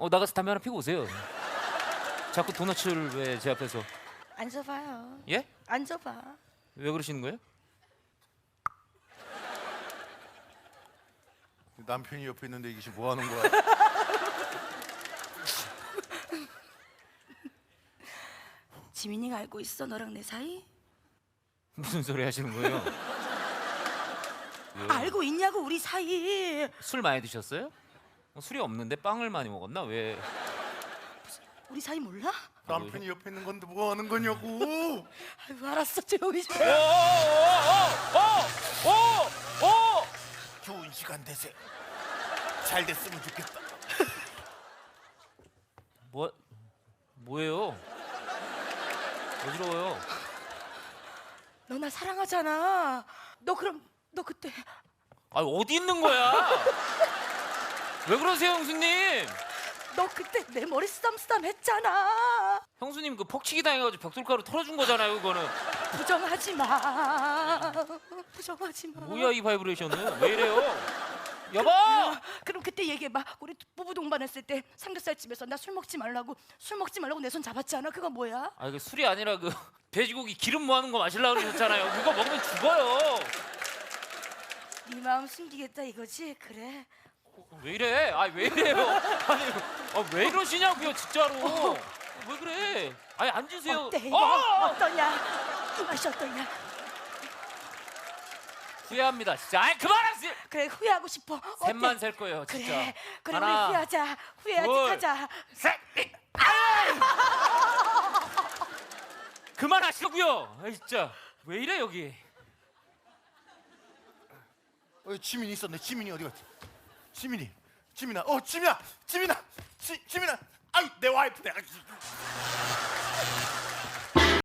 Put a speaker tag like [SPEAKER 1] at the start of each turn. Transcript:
[SPEAKER 1] 나가서 담배 하나 피고 오세요. 자꾸 도넛을 왜 제 앞에서?
[SPEAKER 2] 앉아봐요.
[SPEAKER 1] 예?
[SPEAKER 2] 앉아봐.
[SPEAKER 1] 왜 그러시는 거예요?
[SPEAKER 3] 남편이 옆에 있는데 이게 지금 뭐 하는 거야?
[SPEAKER 2] 지민이가 알고 있어 너랑 내 사이?
[SPEAKER 1] 무슨 소리 하시는 거예요? 왜요?
[SPEAKER 2] 알고 있냐고 우리 사이.
[SPEAKER 1] 술 많이 드셨어요? 술이 없는데 빵을 많이 먹었나? 왜?
[SPEAKER 2] 우리 사이 몰라?
[SPEAKER 3] 남편이 옆에 있는 건데 뭐 하는 거냐고?
[SPEAKER 2] 아이고 알았어 조용히 좀.
[SPEAKER 3] 좋은 시간 되세요. 잘 됐으면 좋겠다.
[SPEAKER 1] 뭐예요? 어지러워요.
[SPEAKER 2] 너 나 사랑하잖아. 너 그럼 너 그때
[SPEAKER 1] 어디 있는 거야? 왜 그러세요, 형수님?
[SPEAKER 2] 너 그때 내 머리 쓰담쓰담 했잖아.
[SPEAKER 1] 형수님 그 폭치기 당해가지고 벽돌가루 털어준 거잖아요, 그거는.
[SPEAKER 2] 부정하지 마. 부정하지 마.
[SPEAKER 1] 뭐야 이 바이브레이션은? 왜 이래요? 여보!
[SPEAKER 2] 그럼 그때 얘기해봐. 우리 부부 동반했을 때 삼겹살 집에서 나 술 먹지 말라고 내 손 잡았잖아. 그거 뭐야?
[SPEAKER 1] 이게 술이 아니라 그 돼지고기 기름 모아놓은 거 마시려고 그러셨잖아요. 그거 먹으면 죽어요.
[SPEAKER 2] 네 마음 숨기겠다 이거지? 그래.
[SPEAKER 1] 왜 이래? 왜 이래요? 왜 이러시냐고요, 진짜로. 왜 그래? 앉으세요.
[SPEAKER 2] 어때 이거? 어떠냐? 이 맛이 어떠냐?
[SPEAKER 1] 후회합니다, 진짜. 그만하세요.
[SPEAKER 2] 그래 후회하고 싶어. 어때?
[SPEAKER 1] 셋만 셀 거예요, 진짜.
[SPEAKER 2] 그래. 그럼
[SPEAKER 1] 하나,
[SPEAKER 2] 우리 후회하자. 후회하지
[SPEAKER 1] 둘,
[SPEAKER 2] 하자.
[SPEAKER 1] 셋. 그만하시고요. 진짜. 왜 이래 여기?
[SPEAKER 3] 지민이 있었네. 지민이 어디 갔지? 지민아. 지민아. 아유 내 와이프네.